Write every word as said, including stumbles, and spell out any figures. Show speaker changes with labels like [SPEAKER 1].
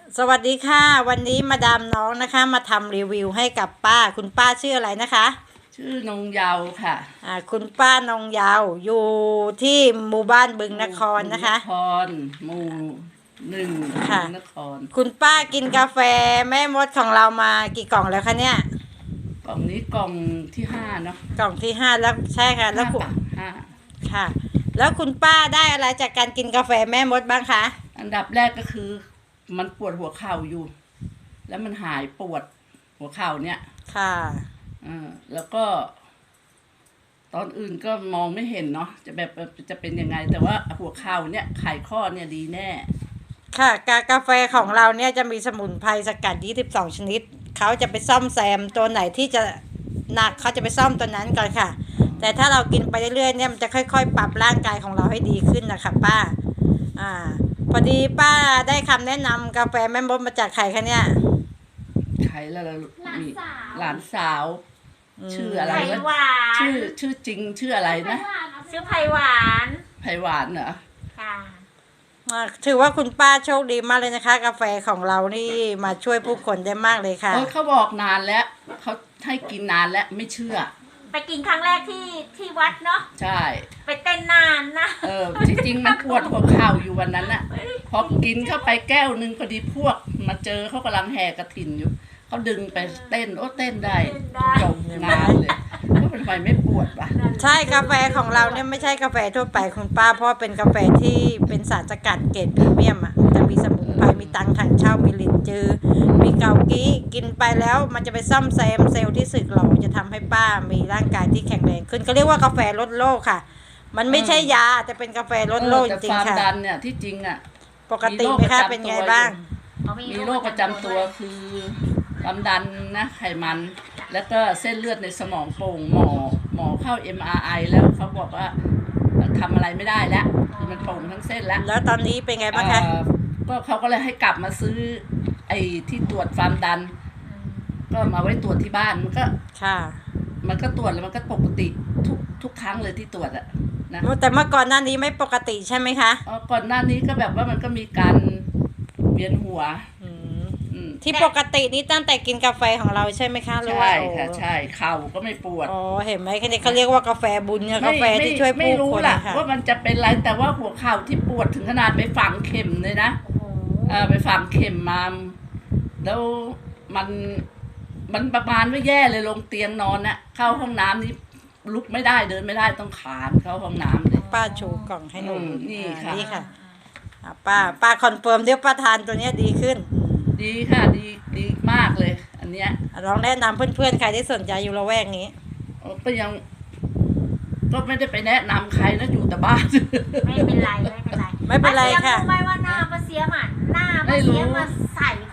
[SPEAKER 1] สวัสดีค่ะวันนี้มาดามน้องนะคะมาทำรีวิวให้กับป้าคุณป้าชื่ออะไรนะคะ
[SPEAKER 2] ชื่อนงเยาว์ค่ะ
[SPEAKER 1] อ่าคุณป้านงยาวอยู่ที่หมู่บ้านบึงนครนะคะ
[SPEAKER 2] นครหมู่หนึ่ง
[SPEAKER 1] ค่ะ
[SPEAKER 2] นคร
[SPEAKER 1] คุณป้ากินกาแฟแม่มดของเรามากี่กล่องแล้วคะเนี่ย
[SPEAKER 2] กล่องนี้กล่องที่ห้าเนาะ
[SPEAKER 1] กล่องที่ห้าแล้วใช่ค่ะแล้วคุณ
[SPEAKER 2] ห้า
[SPEAKER 1] ค่ะแล้วคุณป้าได้อะไรจากการกินกาแฟแม่มดบ้างคะ
[SPEAKER 2] อันดับแรกก็คือมันปวดหัวเข่าอยู่ แล้วมันหายปวดหัวเข่าเนี่ย
[SPEAKER 1] ค่ะ
[SPEAKER 2] อ่าแล้วก็ ตอนอื่นก็มองไม่เห็นเนาะจะแบบจะเป็นยังไง แต่ว่าหัวเข่าเนี่ยไขข้อเนี่ยดีแน่
[SPEAKER 1] ค่ะกากาแฟของเราเนี่ยจะมีสมุนไพรสกัดยี่สิบสองชนิดเขาจะไปซ่อมแซมตัวไหนที่จะหนักเขาจะไปซ่อมตัวนั้นก่อนค่ะแต่ถ้าเรากินไปเรื่อยๆเนี่ยมันจะค่อยๆปรับร่างกายของเราให้ดีขึ้นนะคะป้าอ่าพอดีป้าได้คำแนะนำกาแฟแม่มดมาจากใครคะเนี่ย
[SPEAKER 2] ใครแล้วล่ะมีหลานสาวชื่ออะไร
[SPEAKER 3] ไผ่
[SPEAKER 2] วะ
[SPEAKER 3] หวาน
[SPEAKER 2] ชื่อชื่อจริงชื่ออะไรนะ
[SPEAKER 3] ชื่อไผ่หวาน
[SPEAKER 2] ไผ่หวานเหรอ
[SPEAKER 3] ค่ะ
[SPEAKER 1] ถือว่าคุณป้าโชคดีมากเลยนะคะกาแฟของเรานี่มาช่วยผู้คนได้มากเลยค่ะ
[SPEAKER 2] เขาบอกนานแล้วเขาให้กินนานแล้วไม่เชื่อ
[SPEAKER 3] ไปกินครั้งแรกที่ที่วัดเนาะ
[SPEAKER 2] ใช่
[SPEAKER 3] ไปเต้นนานนะ
[SPEAKER 2] เออจริงๆมันปวดหัวเข่าอยู่วันนั้นน่ะพอกินเข้าไปแก้วนึงพอดีพวกมาเจอเขากำลังแห่กระถินอยู่เขาดึงไปเต้นโอ้เต้นได้จบงานเลยว่าเป็นไฟไม่ปวดปะ
[SPEAKER 1] ใช่กาแฟของเราเนี่ยไม่ใช่กาแฟทั่วไปคุณป้าเพราะเป็นกาแฟที่เป็นสารสกัดเกรดพรีเมียมอ่ะจะมีสมุนไพรมีตังถังเช่ามีลินจือมีเกากี้กินไปแล้วมันจะไปซ่อมแซมเซลล์ที่สึกหรอจะทำให้ป้ามีร่างกายที่แข็งแรงขึ้นก็เรียกว่ากาแฟลดโรคค่ะมันไม่ใช่ยาแต่เป็นกาแฟลดโรคจริงๆค่ะ
[SPEAKER 2] แต่ความดันเนี่ยที่จริงอ่ะ
[SPEAKER 1] ปกติไหมคะเป็นไงบ้าง
[SPEAKER 2] มีโรคประจำตัวคือความดันนะไขมันแล้วก็เส้นเลือดในสมองโป่งหมอหมอเข้า เอ็ม อาร์ ไอ แล้วเขาบอกว่าทำอะไรไม่ได้แล้วคือมันโป่งทั้งเส้นแล้ว
[SPEAKER 1] แล้วตอนนี้เป็นไงบ้างคะ
[SPEAKER 2] ก็เขาก็เลยให้กลับมาซื้อไอ้ที่ตรวจความดันก็มาไว้ตรวจที่บ้านมันก็
[SPEAKER 1] ค่ะ
[SPEAKER 2] มันก็ตรวจแล้วมันก็ปกติทุกทุกครั้งเลยที่ตรวจอะนะ
[SPEAKER 1] แต่เมื่อก่อนหน้านี้ไม่ปกติใช่ไหมคะ
[SPEAKER 2] อ๋อก่อนหน้านี้ก็แบบว่ามันก็มีการเวียนหัว
[SPEAKER 1] ที่ปกตินี่ตั้งแต่กินกาแฟของเราใช่ไหมคะ
[SPEAKER 2] ใช่ค่ะใช่เข่าก็ไม่ปวด
[SPEAKER 1] อ๋อเห็นไหมแค่นี้เขาเรียกว่ากาแฟบุญเนี่ยกาแฟที่ช่วยผู้คนไม่รู้
[SPEAKER 2] ล่ะว่ามันจะเป็นไรแต่ว่าหัวเข่าที่ปวดถึงขนาดไปฝังเข็มเลยนะเออไปฝังเข็มมาแล้วมันมันประมาณว่าแย่เลยลงเตียงนอนน่ะเข้าห้องน้ำนี่ลุกไม่ได้เดินไม่ได้ต้องขานเข้าห้องน้ำเลย
[SPEAKER 1] ป้าชูกล่องให้หนู
[SPEAKER 2] นี่ค่ะ
[SPEAKER 1] นี่ค่ะป้าป้าคอนเฟิร์มเดี๋ยวป้าทานตัวเนี้ยดีขึ้น
[SPEAKER 2] ดีค่ะดีดีมากเลยอันเนี้ย
[SPEAKER 1] ลองแนะนำเพื่อนๆใครที่สนใจอยู่ละแวกนี้
[SPEAKER 2] ก็ยังก็ไม่ได้ไปแนะนำใครนะอยู่แต่บ้าน
[SPEAKER 3] ไม่เป็นไรไม่เป็นไร
[SPEAKER 1] ไม่เป็นไรค่ะ
[SPEAKER 3] ไม่ว่าหน้ามาเสียมันหน้ามาเสียมาใส่